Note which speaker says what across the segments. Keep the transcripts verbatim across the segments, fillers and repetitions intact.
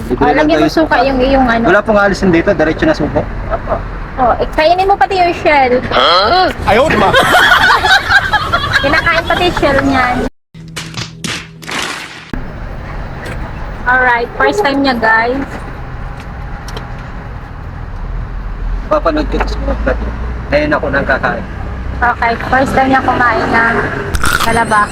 Speaker 1: Libre
Speaker 2: Oh,
Speaker 1: lang
Speaker 2: lagyan mo
Speaker 1: tayo
Speaker 2: suka yung iyong ano.
Speaker 1: Wala pong alisin dito, diretso na suko.
Speaker 2: Opo. Oh, eh, kainin mo pati yung shell.
Speaker 1: Ayaw, ma!
Speaker 2: Kinakain pati yung shell niyan. Alright, first time niya guys.
Speaker 1: Papanood ko sa mga vlog. Ngayon ako nang kakain.
Speaker 2: Okay, first time niya kumain ng talaba.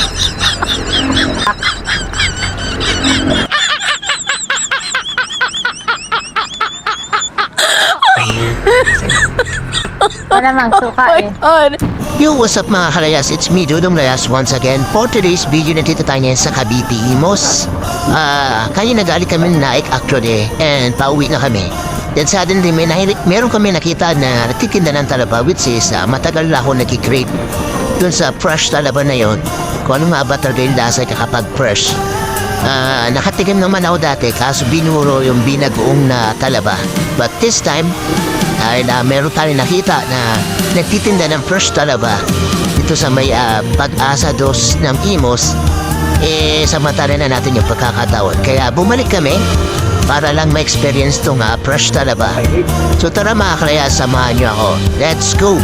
Speaker 2: Wala mang suka eh.
Speaker 3: Yo, what's up mga kalayas? It's me, Dudong Layas once again for today's video. Nandito tayo ngayon sa Cavite, Imos. Ah, kaya nag-aalik kami ng Naik actually and pauwi na kami. Then suddenly, may nahirik, meron kami nakita na nagtitinda ng talaba which is uh, matagal na ako nagkikrave dun sa fresh talaba na yon. Kung ano nga ba talaga yung lasa kapag fresh. Ah, nakatigim naman ako dati kaso binuro yung binagoong na talaba. But this time, dahil uh, meron tayo nakita na nagtitinda ng fresh talaba dito sa may uh, Pag-asa dos ng Imos, eh samantala na natin yung pagkakataon. Kaya bumalik kami para lang ma-experience tong uh, fresh talaba. So tara mga kalaya, samahan nyo ako. Let's go!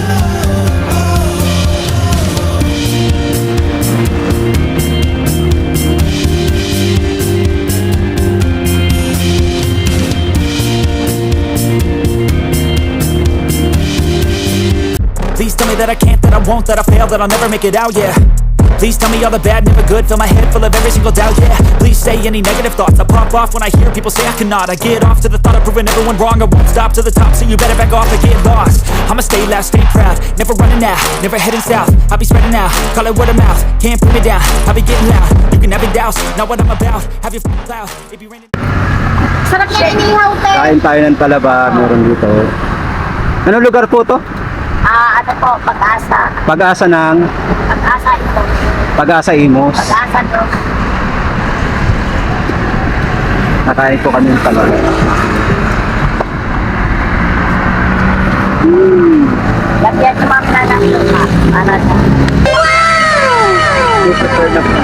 Speaker 4: Please tell me that I can't, that I won't, that I fail, that I'll never make it out, yeah. Please tell me all the bad, never good, fill my head full of every single doubt, yeah. Please say any negative thoughts, I pop off when I hear people say I cannot. I get off to the thought of proving everyone wrong, I won't stop to the top, so you better back off and get lost. I'ma stay loud, stay proud, never running out, never heading south. I'll be spreading out, call it word of mouth, can't put me down, I'll be getting loud. You can have it douse, not what I'm about, have your f***ing cloud, it be raining.
Speaker 2: Sarap niya inihaw te.
Speaker 1: Kain tayo ng talaba, meron dito. Anong lugar po to?
Speaker 2: Ah, ano po, Pag-asa.
Speaker 1: Pag-asa ng
Speaker 2: Pag-asa ito.
Speaker 1: Pag-asa Imos.
Speaker 2: Pag-asa to.
Speaker 1: Nakain po kami ng talaba. Mm.
Speaker 2: Lagyan niyo ma'am na ng suka. Para na.
Speaker 1: Super na po.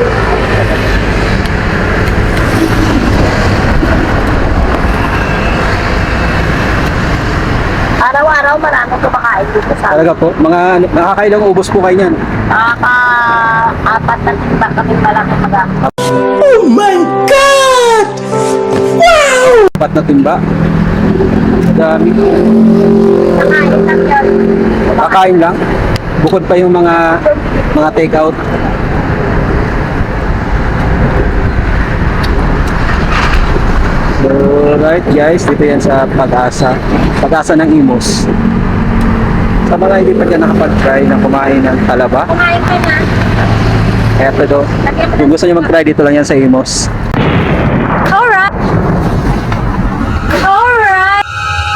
Speaker 2: Araw-araw maraming kumakain dito sa
Speaker 1: Talaga po, mga nakakailang ubos po kayo niyan.
Speaker 2: Nakaka-apat na timba kami malaki mag
Speaker 3: Oh my God! Wow!
Speaker 1: Apat na timba. Dami.
Speaker 2: Nakain lang yun.
Speaker 1: Kakain lang. Bukod pa yung mga mga take out. So, right guys, dito yan sa Pag-asa. Pag-asa ng Imos. Sa mga hindi pa dyan nakapag-try na kumain ng talaba,
Speaker 2: Kumain ka na.
Speaker 1: eto do. Kung gusto nyo mag-try, dito lang yan sa Imos.
Speaker 2: Alright. Alright.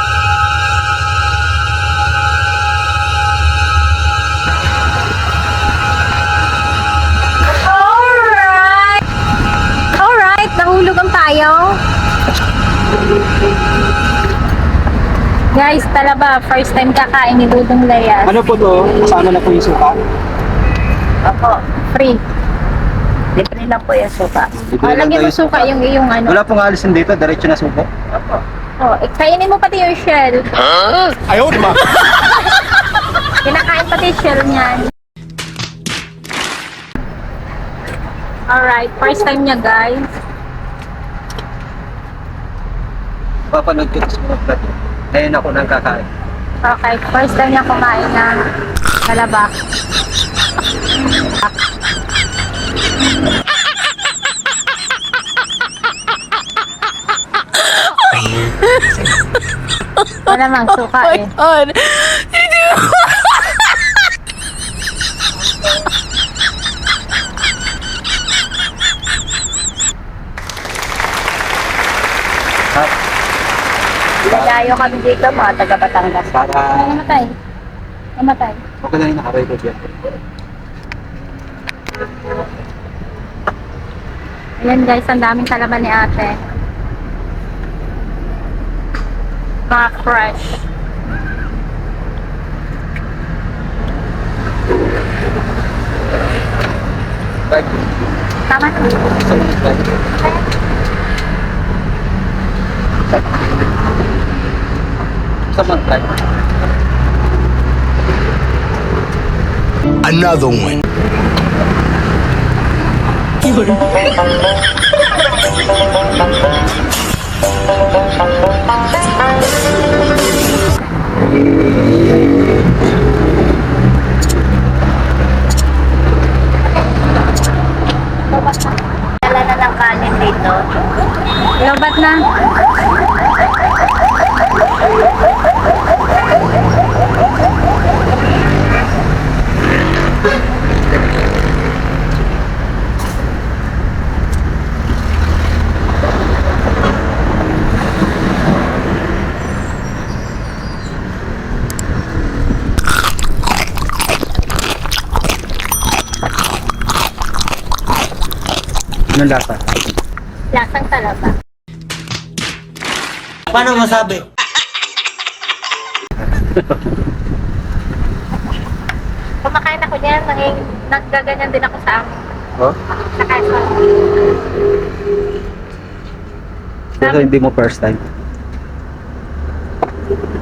Speaker 2: Alright. Alright. Nahulugan tayo. Guys, talaba. First time kakain ni Dudong Layas.
Speaker 1: Ano po to? Kasama na po yung suka.
Speaker 2: Opo. Free. Libre lang po yung suka.
Speaker 1: Libre
Speaker 2: Oh,
Speaker 1: lang
Speaker 2: lagyan mo
Speaker 1: tayo
Speaker 2: suka yung iyong ano.
Speaker 1: Wala pong alisin dito, diretso na suko.
Speaker 2: Opo. Oh, eh, kainin mo pati yung shell.
Speaker 1: Ayaw, ma!
Speaker 2: Kinakain pati yung shell niyan. Alright, first time niya guys.
Speaker 1: Papanood ko sa mga vlog. Ngayon ako nang kakain.
Speaker 2: Okay, first time niya kumain ng talaba. Wala mang suka eh.
Speaker 5: God.
Speaker 1: At
Speaker 2: Lalayo kami dito mga taga Batangas.
Speaker 1: para
Speaker 2: Namatay. Namatay.
Speaker 1: okay na yung nakarecord yan.
Speaker 2: Ayan guys, ang daming talaba ni ate. Mga fresh.
Speaker 1: Right.
Speaker 2: Tama na.
Speaker 1: So, right. Sa mag-try.
Speaker 5: Another one.
Speaker 2: Dala na ng kanin dito.
Speaker 6: Lobat na.
Speaker 1: Anong lasa?
Speaker 2: Lasang talaba.
Speaker 3: Paano masabi?
Speaker 2: Kumakain ako niyan, naging naggaganyan din ako sa amin.
Speaker 1: Oh?
Speaker 2: Sa Quezon.
Speaker 1: Pero hindi mo first time.